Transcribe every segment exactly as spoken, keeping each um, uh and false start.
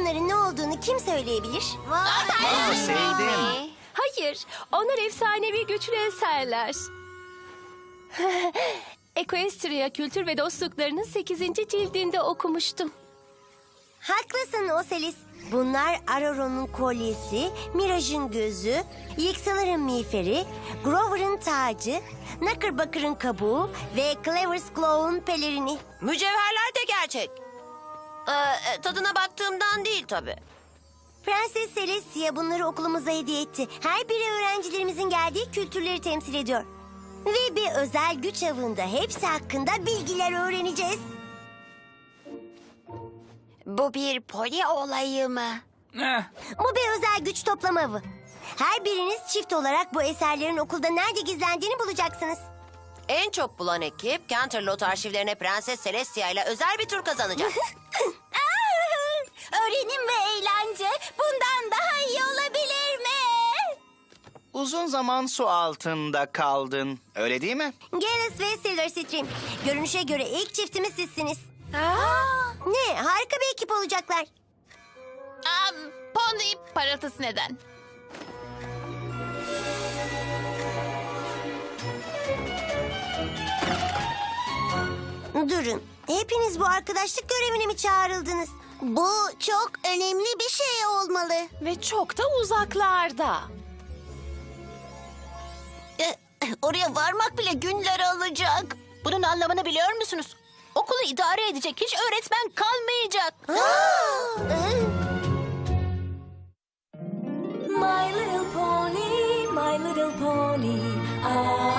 bunların ne olduğunu kim söyleyebilir? Aa, sevdim. Hayır, onlar efsanevi güçlü eserler. Equestria Kültür ve Dostluklarının sekizinci cildinde okumuştum. Haklısın Oselis. Bunlar Aurora'nın kolyesi, Mirage'ın gözü, Yiksalar'ın miğferi, Grover'ın tacı, Knuckerbacker'ın kabuğu ve Clever's Claw'un pelerini. Mücevherler de gerçek. Ee, tadına baktığımdan değil tabii. Prenses Celestia bunları okulumuza hediye etti. Her biri öğrencilerimizin geldiği kültürleri temsil ediyor. Ve bir özel güç avında hepsi hakkında bilgiler öğreneceğiz. Bu bir poli olayı mı? Eh, Bu bir özel güç toplama avı. Her biriniz çift olarak bu eserlerin okulda nerede gizlendiğini bulacaksınız. En çok bulan ekip Canterlot arşivlerine Prenses Celestia ile özel bir tur kazanacak. Öğrenim ve eğlence bundan daha iyi olabilir mi? uzun zaman su altında kaldın. Öyle değil mi? Gales ve Silverstream. Görünüşe göre ilk çiftimiz sizsiniz. Ne? Harika bir ekip olacaklar. Um, Pony parıltısı neden? Durun. Hepiniz bu arkadaşlık görevine mi çağrıldınız? Bu çok önemli bir şey olmalı. Ve çok da uzaklarda. E, oraya varmak bile günler alacak. Bunun anlamını biliyor musunuz? Okulu idare edecek hiç öğretmen kalmayacak. My little pony, my little pony. Ah,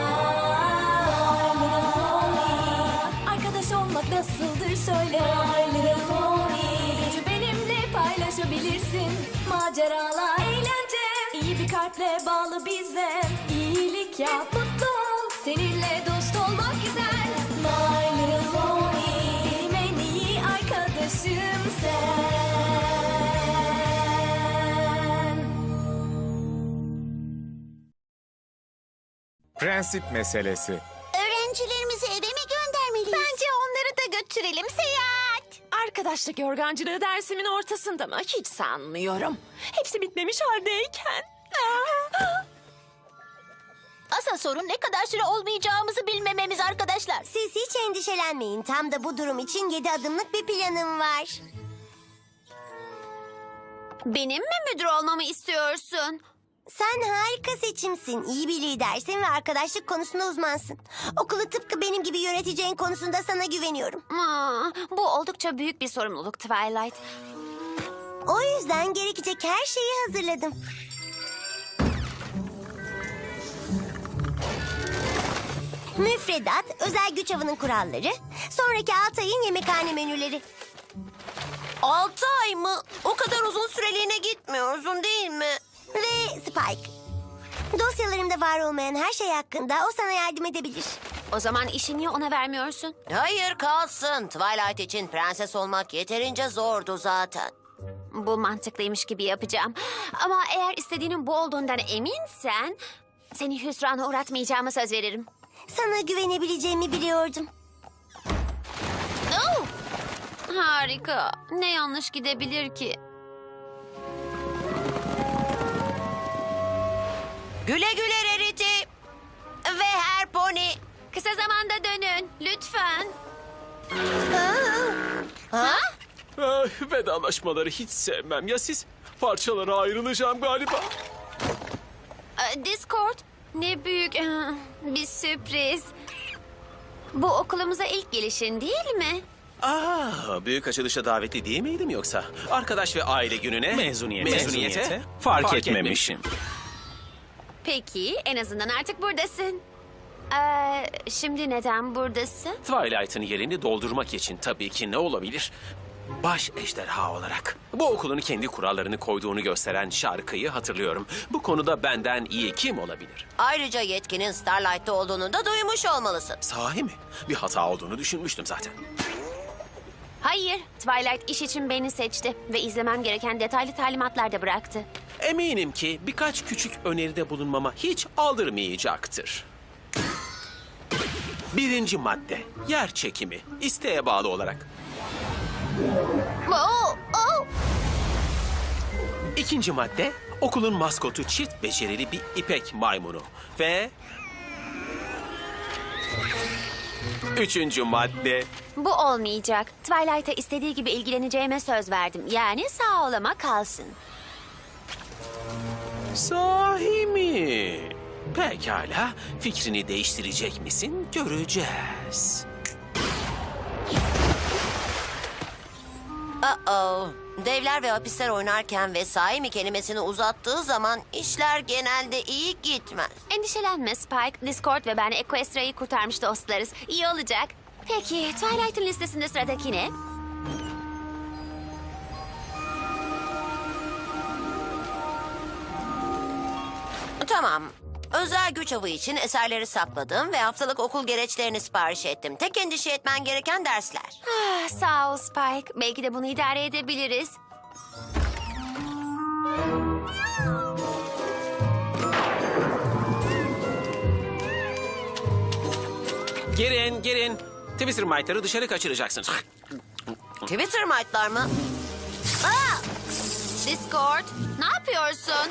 my little pony. Arkadaş olmak nasıldır söyle. My little pony. Gücü benimle paylaşabilirsin. Maceralar, eğlence. İyi bir kalple bağlı bize. İyilik yap, mutlu ol. Seninle dost olmak güzel. My little pony. Benim en iyi arkadaşım sen. Prensip meselesi. Öğrencilerimizi eve mi göndermeliyiz? Bence onları da götürelim seyahat. Arkadaşlık yorgancılığı dersimin ortasında mı? Hiç sanmıyorum. Hepsi bitmemiş haldeyken. Asıl sorun ne kadar süre olmayacağımızı bilmememiz arkadaşlar. Siz hiç endişelenmeyin. Tam da bu durum için yedi adımlık bir planım var. Benim mi müdür olmamı istiyorsun? Sen harika seçimsin. İyi bir lidersin ve arkadaşlık konusunda uzmansın. Okulu tıpkı benim gibi yöneteceğin konusunda sana güveniyorum. Aa, bu oldukça büyük bir sorumluluk Twilight. O yüzden gerekecek her şeyi hazırladım. Müfredat, özel güç avının kuralları, sonraki altı ayın yemekhane menüleri. Altı ay mı? O kadar uzun süreliğine gitmiyorsun değil mi? Ve Spike. Dosyalarımda var olmayan her şey hakkında o sana yardım edebilir. O zaman işi niye ona vermiyorsun? Hayır kalsın. Twilight için prenses olmak yeterince zordu zaten. Bu mantıklıymış gibi yapacağım. Ama eğer istediğinin bu olduğundan eminsen... ...seni hüsrana uğratmayacağıma söz veririm. Sana güvenebileceğimi biliyordum. Oh! Harika. Ne yanlış gidebilir ki? Güle güle Rarity. Ve her pony. Kısa zamanda dönün. Lütfen. Ha? Ay, vedalaşmaları hiç sevmem. Ya siz? Parçalara ayrılacağım galiba. Ee, Discord. Ne büyük ee, bir sürpriz. Bu okulumuza ilk gelişin değil mi? Aa, büyük açılışa davetli değil miydim yoksa? Arkadaş ve aile gününe... Mezuniyete. Mezuniyete. Fark, Fark etmemişim. Peki en azından artık buradasın. Ee, şimdi neden buradasın? Twilight'ın yerini doldurmak için tabii ki ne olabilir? Baş ejderha olarak. Bu okulun kendi kurallarını koyduğunu gösteren şarkıyı hatırlıyorum. Bu konuda benden iyi kim olabilir? Ayrıca yetkinin Starlight'ta olduğunu da duymuş olmalısın. Sahi mi? Bir hata olduğunu düşünmüştüm zaten. Hayır, Twilight iş için beni seçti ve izlemem gereken detaylı talimatlar da bıraktı. Eminim ki birkaç küçük öneride bulunmama hiç aldırmayacaktır. Birinci madde, yer çekimi, isteğe bağlı olarak. Oh, oh. İkinci madde, okulun maskotu çift becerili bir ipek maymunu. Ve... Üçüncü madde, Bu olmayacak. Twilight'a istediği gibi ilgileneceğime söz verdim. Yani sağ olama kalsın. sahi mi? Pekala, fikrini değiştirecek misin? Göreceğiz. Uh-oh. Devler ve hapisler oynarken ve sahi mi kelimesini uzattığı zaman işler genelde iyi gitmez. Endişelenme Spike. Discord ve ben Equestria'yı kurtarmış dostlarız. İyi olacak. Peki Twilight'ın listesinde sıradaki ne? Tamam. Özel güç avı için eserleri sakladım ve haftalık okul gereçlerini sipariş ettim. Tek endişe etmen gereken dersler. Ah, sağ ol Spike. Belki de bunu idare edebiliriz. Girin, girin. Twister Mite'ları dışarı kaçıracaksınız. Twitter might'lar mı? Discord, ne yapıyorsun?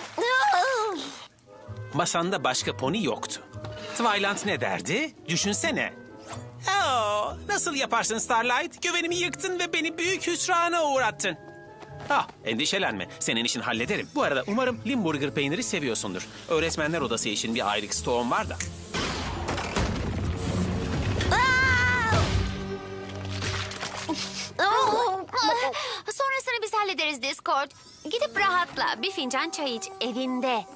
Masanda başka pony yoktu. Twilight ne derdi? Düşünsene. Oo, nasıl yaparsın Starlight? Güvenimi yıktın ve beni büyük hüsrana uğrattın. Ah, endişelenme. Senin işin hallederim. Bu arada umarım Limburger peyniri seviyorsundur. Öğretmenler odası için bir aylık stoğum var da. Sonrasını biz hallederiz Discord. Gidip rahatla. Bir fincan çay iç evinde.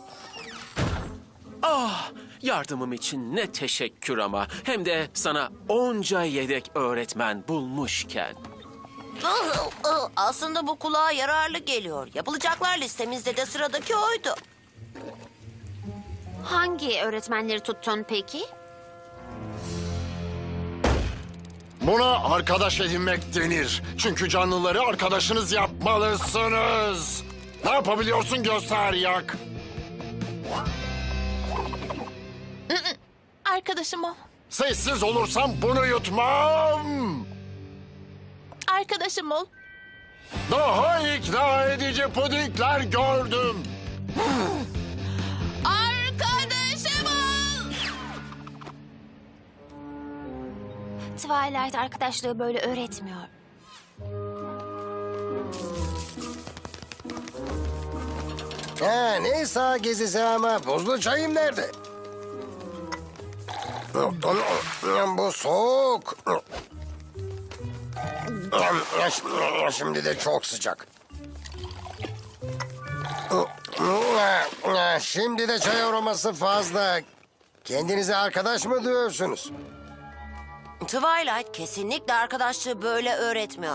Ah, yardımım için ne teşekkür ama. Hem de sana onca yedek öğretmen bulmuşken. Aslında bu kulağa yararlı geliyor. Yapılacaklar listemizde de sıradaki oydu. Hangi öğretmenleri tuttun peki? Buna arkadaş edinmek denir. Çünkü canlıları arkadaşınız yapmalısınız. Ne yapabiliyorsun göster yak. Arkadaşım o. Sessiz olursam bunu yutmam. Arkadaşım ol. Daha ikna edici pudingler gördüm. Arkadaşım ol. Twilight arkadaşlığı böyle öğretmiyor. Ha, neyse gezisi ama buzlu çayım nerede? Bu soğuk. Şimdi de çok sıcak. Şimdi de çay aroması fazla. Kendinize arkadaş mı diyorsunuz? Twilight kesinlikle arkadaşlığı böyle öğretmiyor.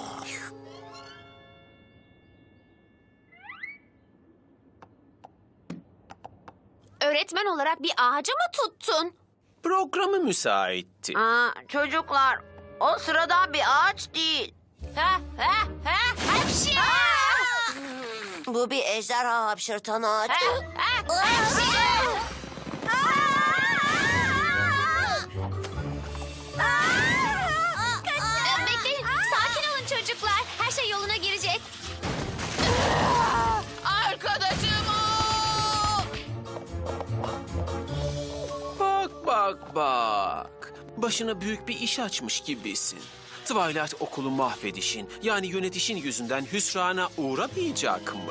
Öğretmen olarak bir ağaca mı tuttun? Programı müsaitti. Aa, çocuklar, o sıradan bir ağaç değil. Ha ha ha hapşi! Bu bir ejderha hapşırtan ağaç. Bekleyin, sakin olun çocuklar. Her şey yoluna girecek. Arkadaşım ol. Bak bak bak. Başına büyük bir iş açmış gibisin. Twilight okulu mahvedişin, yani yönetişin yüzünden hüsrana uğramayacak mı?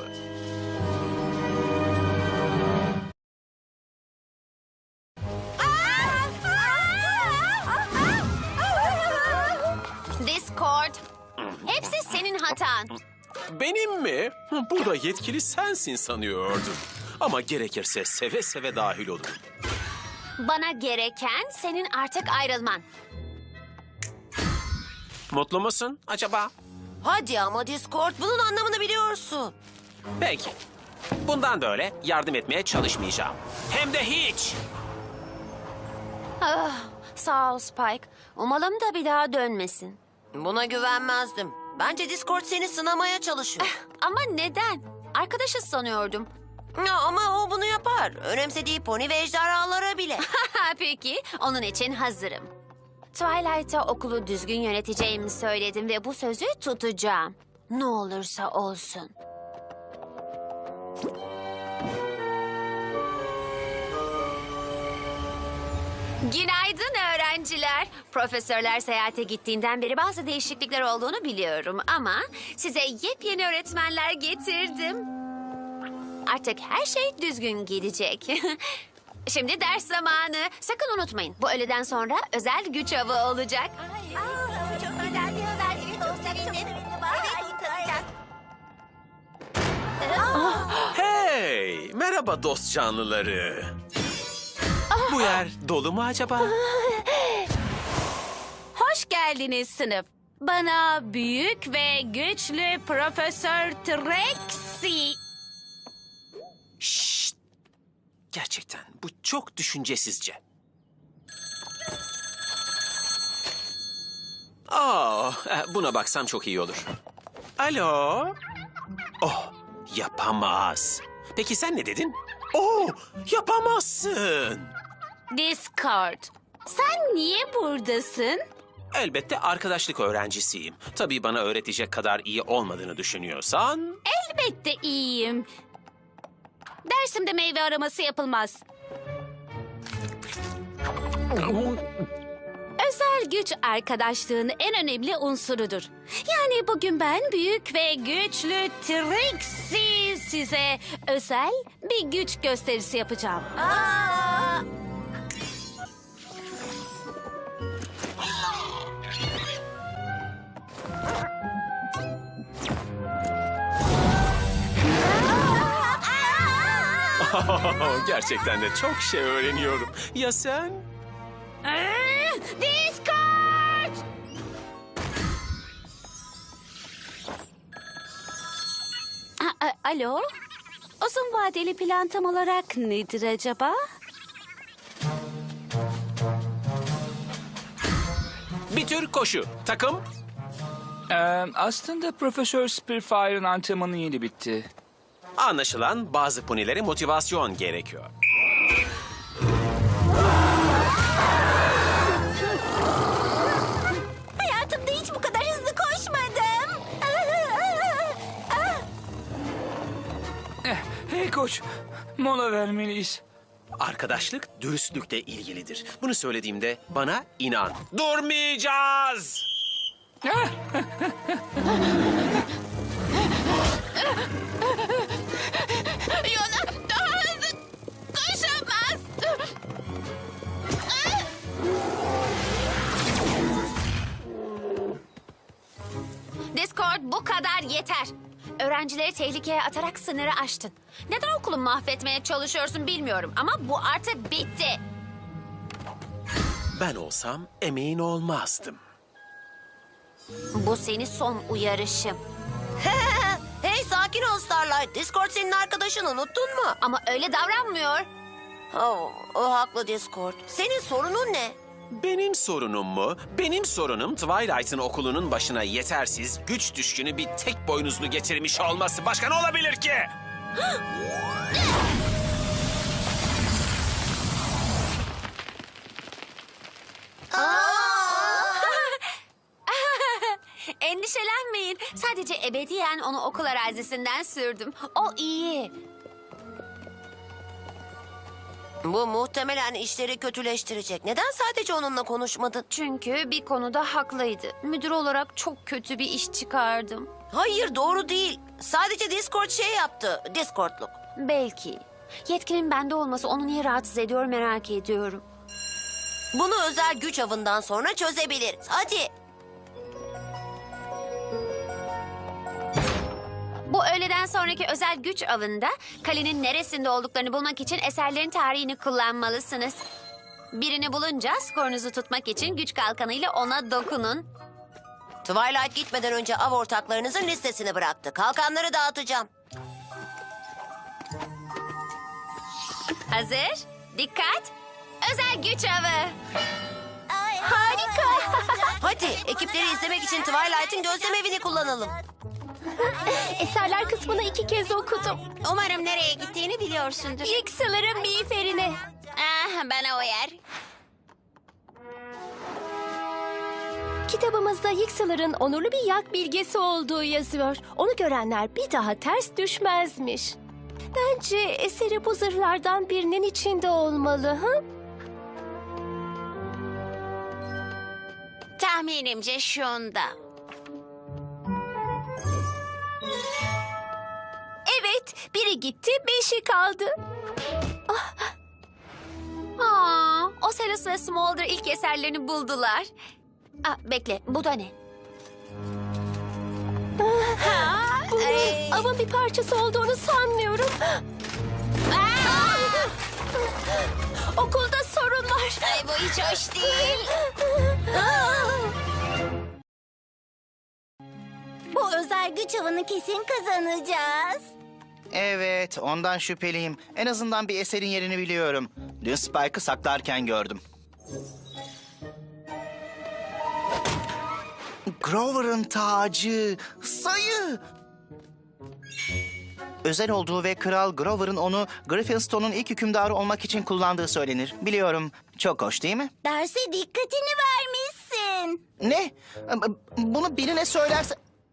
Discord, hepsi senin hatan. Benim mi? Burada yetkili sensin sanıyordum. Ama gerekirse seve seve dahil olurum. Bana gereken senin artık ayrılman. Mutlu musun acaba? Hadi ama Discord, bunun anlamını biliyorsun. Peki. Bundan böyle yardım etmeye çalışmayacağım. Hem de hiç. Ah, sağ ol Spike. Umalım da bir daha dönmesin. Buna güvenmezdim. Bence Discord seni sınamaya çalışıyor. Ama neden? Arkadaşız sanıyordum. Ya, ama o bunu yapar. Önemsediği pony ve ejderhalara bile. Peki, onun için hazırım. Twilight'a okulu düzgün yöneteceğimi söyledim ve bu sözü tutacağım. Ne olursa olsun. Günaydın öğrenciler. Profesörler seyahate gittiğinden beri bazı değişiklikler olduğunu biliyorum ama size yepyeni öğretmenler getirdim. Artık her şey düzgün gidecek. Şimdi ders zamanı. Sakın unutmayın. Bu öğleden sonra özel güç avı olacak. Çok güzel bir haber. Hey, merhaba dost canlıları. Bu yer dolu mu acaba? Hoş geldiniz sınıf. Bana büyük ve güçlü Profesör Trexie. Şşt! Gerçekten bu çok düşüncesizce. Aa, buna baksam çok iyi olur. Alo? Oh, yapamaz. Peki sen ne dedin? Oh, yapamazsın. Discord. Sen niye buradasın? Elbette arkadaşlık öğrencisiyim. Tabii bana öğretecek kadar iyi olmadığını düşünüyorsan... Elbette iyiyim. Dersimde meyve araması yapılmaz. Özel güç arkadaşlığın en önemli unsurudur. Yani bugün ben büyük ve güçlü Trixie size özel bir güç gösterisi yapacağım. Gerçekten de çok şey öğreniyorum. Ya sen? Aa, Discord! A- a- Alo? Uzun vadeli plan tam olarak nedir acaba? Bir tür koşu. Takım? Ee, aslında Profesör Spitfire'ın antrenmanı yeni bitti. Anlaşılan bazı ponilere motivasyon gerekiyor. Hayatımda hiç bu kadar hızlı koşmadım. Eh, hey koç, mola vermeliyiz. Arkadaşlık dürüstlükle ilgilidir. Bunu söylediğimde bana inan. Durmayacağız! Yona daha hızlı koşamaz. Discord bu kadar yeter. Öğrencileri tehlikeye atarak sınırı aştın. Neden okulu mahvetmeye çalışıyorsun bilmiyorum ama bu artık bitti. Ben olsam emeğin olmazdım. Bu senin son uyarışım. Hey sakin ol Starlight. Discord senin arkadaşın, unuttun mu? Ama öyle davranmıyor. Oh, o haklı Discord. Senin sorunun ne? Benim sorunum mu? Benim sorunum Twilight'ın okulunun başına yetersiz, güç düşkünü bir tek boynuzlu getirmiş olması. Başka ne olabilir ki? Endişelenmeyin. Sadece ebediyen onu okul arazisinden sürdüm. O iyi. Bu muhtemelen işleri kötüleştirecek. Neden sadece onunla konuşmadın? Çünkü bir konuda haklıydı. Müdür olarak çok kötü bir iş çıkardım. Hayır, doğru değil. Sadece Discord şey yaptı. Discord'luk. Belki. Yetkinin bende olması onu niye rahatsız ediyor merak ediyorum. Bunu özel güç avından sonra çözebiliriz. Hadi. Bu öğleden sonraki özel güç avında kalenin neresinde olduklarını bulmak için eserlerin tarihini kullanmalısınız. Birini bulunca skorunuzu tutmak için güç kalkanıyla ona dokunun. Twilight gitmeden önce av ortaklarınızın listesini bıraktı. Kalkanları dağıtacağım. Hazır, dikkat, özel güç avı. Harika. Hadi ekipleri izlemek için Twilight'ın gözlem evini kullanalım. Eserler kısmını iki kez okudum. Umarım nereye gittiğini biliyorsundur. Yıksıların miğferine. Ah, bana uyar. Kitabımızda Yıksıların onurlu bir yak bilgesi olduğu yazıyor. Onu görenler bir daha ters düşmezmiş. Bence eseri bu zırhlardan birinin içinde olmalı. Ha? Tahminimce şunda. Evet, biri gitti, beşi kaldı. Aa, Ocelus ve Smolder ilk eserlerini buldular. Aa, bekle, bu da ne? Bunun avın bir parçası olduğunu sanmıyorum. Okulda sorun var. Ay, bu hiç hoş değil. Bu özel güç avını kesin kazanacağız. Evet, ondan şüpheliyim. En azından bir eserin yerini biliyorum. Dün Spike'ı saklarken gördüm. Grover'ın tacı, sayı. Özel olduğu ve Kral Grover'ın onu Griffinstone'un ilk hükümdarı olmak için kullandığı söylenir. Biliyorum, çok hoş değil mi? Derse dikkatini vermişsin. Ne? Bunu birine söylerse...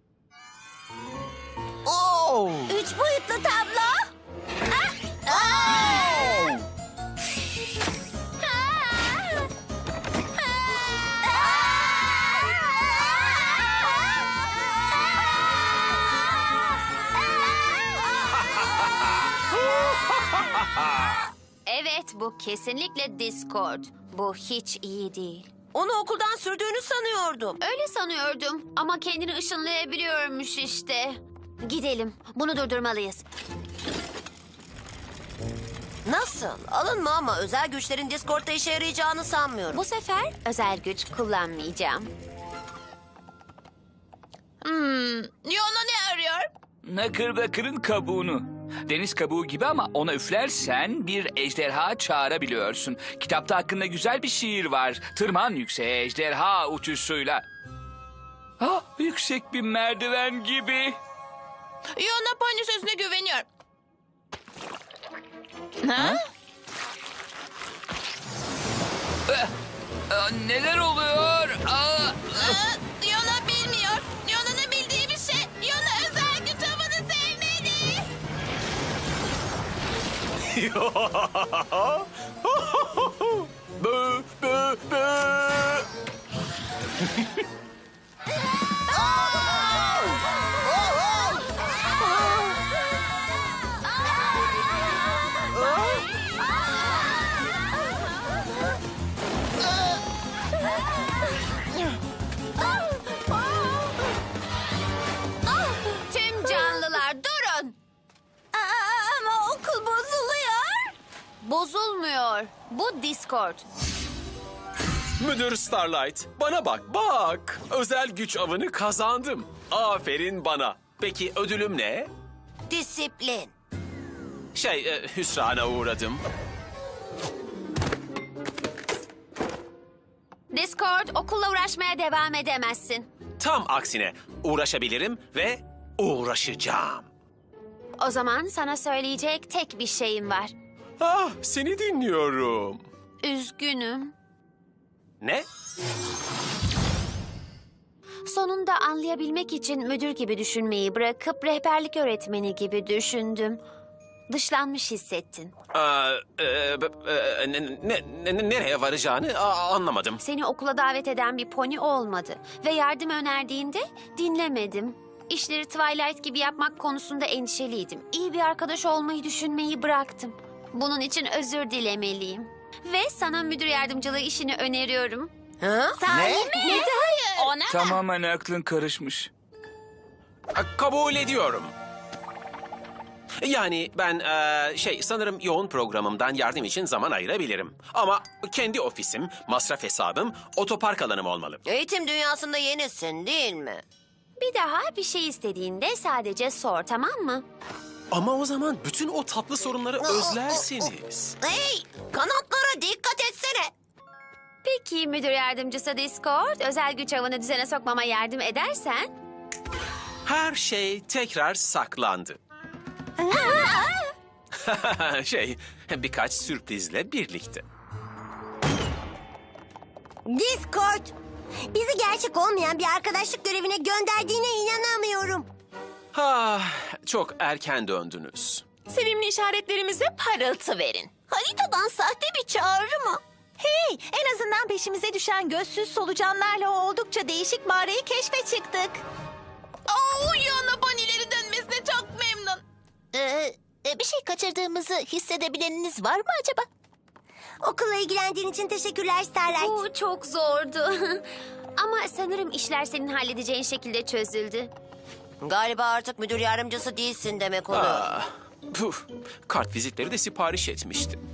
Oo! Üç boyutlu tablo. Ah! Oo! Evet, bu kesinlikle Discord. Bu hiç iyi değil. Onu okuldan sürdüğünü sanıyordum. Öyle sanıyordum ama kendini ışınlayabiliyormuş işte. Gidelim, bunu durdurmalıyız. Nasıl? Alınma ama özel güçlerin Discord'da işe yarayacağını sanmıyorum. Bu sefer özel güç kullanmayacağım. Hmm, Yona ne arıyor? Knucklebucker'ın kabuğunu. Deniz kabuğu gibi ama ona üflersen bir ejderha çağırabiliyorsun. Kitapta hakkında güzel bir şiir var. Tırman yükseğe ejderha uçuşuyla. Ah, yüksek bir merdiven gibi. Yona Pony sözüne güveniyor. Ha? Ah, ah, neler oluyor? Ah, ah. Yona bilmiyor. Yona'nın bildiği bir şey. Yona özel güç avını sevmeli. Bö, bö, bö. Tüm canlılar durun. Ama okul bozuluyor. Bozulmuyor. Bu Discord. Müdür Starlight, bana bak, bak. Özel güç avını kazandım. Aferin bana. Peki ödülüm ne? Disiplin. Şey, e, hüsrana uğradım. Discord, okulla uğraşmaya devam edemezsin. Tam aksine uğraşabilirim ve uğraşacağım. O zaman sana söyleyecek tek bir şeyim var. Ah, seni dinliyorum. Üzgünüm. Ne? Sonunda anlayabilmek için müdür gibi düşünmeyi bırakıp rehberlik öğretmeni gibi düşündüm. Dışlanmış hissettin. Aa, e, b- e, ne, ne- ne- nereye varacağını a- anlamadım. Seni okula davet eden bir pony olmadı. Ve yardım önerdiğinde dinlemedim. İşleri Twilight gibi yapmak konusunda endişeliydim. İyi bir arkadaş olmayı düşünmeyi bıraktım. Bunun için özür dilemeliyim. Ve sana müdür yardımcılığı işini öneriyorum. Ha? Sahi Ne? mi? Hayır. Ona Tamamen aklın karışmış. A, Kabul ediyorum. Yani ben e, şey sanırım yoğun programımdan yardım için zaman ayırabilirim. Ama kendi ofisim, masraf hesabım, otopark alanım olmalı. Eğitim dünyasında yenisin değil mi? bir daha bir şey istediğinde sadece sor, tamam mı? Ama o zaman bütün o tatlı sorunları özlersiniz. Hey, kanatlara dikkat etsene. Peki müdür yardımcısı Discord, özel güç avını düzene sokmama yardım edersen... Her şey tekrar saklandı. şey, birkaç sürprizle birlikte. Discord. Bizi gerçek olmayan bir arkadaşlık görevine gönderdiğine inanamıyorum. Ah, çok erken döndünüz. Sevimli işaretlerimize parıltı verin. Haritadan sahte bir çağrı mı? Hey, en azından peşimize düşen gözsüz solucanlarla o oldukça değişik mağarayı keşfe çıktık. Oo, Yana Banileri dönmesine çok memnun. Ee, bir şey kaçırdığımızı hissedebileniniz var mı acaba? Okulla ilgilendiğin için teşekkürler Starlight. Bu çok zordu. Ama sanırım işler senin halledeceğin şekilde çözüldü. Galiba artık müdür yardımcısı değilsin demek oluyor. Ah, puf. Kart vizitleri de sipariş etmiştim.